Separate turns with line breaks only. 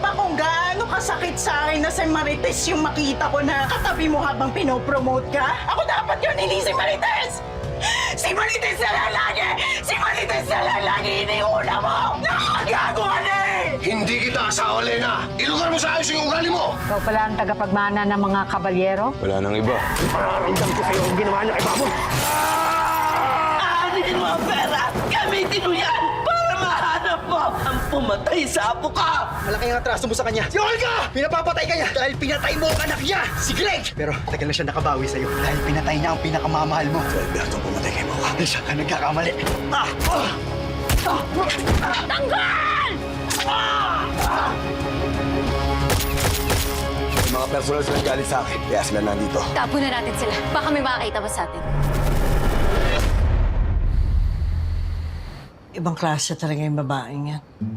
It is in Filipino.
ba kung gaano kasakit sa akin na si Marites yung makita ko na katabi mo habang pinopromote ka? Ako dapat yun, hindi si Marites! Si Marites na lang lagi! Si Marites na lang lagi iniuna mo! Nakagago ka na eh!
Hindi kita asawa, Lena! Ilugar mo sa ayos yung ugali mo!
Ikaw pala ang tagapagmana ng mga kabalyero?
Wala nang iba.
Mararamdam ko sa'yo ang ginawa niya kay Babon!
Aanin mo ang pera! Gamitin mo yan para mahanap mo ang pumatay sa apo ka!
Malaki ang atraso mo sa kanya. Si Olga! Pinapapatay ka niya dahil pinatay mo ang anak niya, si Greg! Pero tagal na siya nakabawi sa'yo dahil pinatay niya ang pinakamamahal mo. Si Alberto pumatay kay Mocha. Siya ka nagkakamali.
Tanggal!
May mga personal sila galit sa akin, kaya sila nandito.
Tapo na natin sila. Baka may makakita pa sa atin.
Ibang klase talaga yung babaeng yan.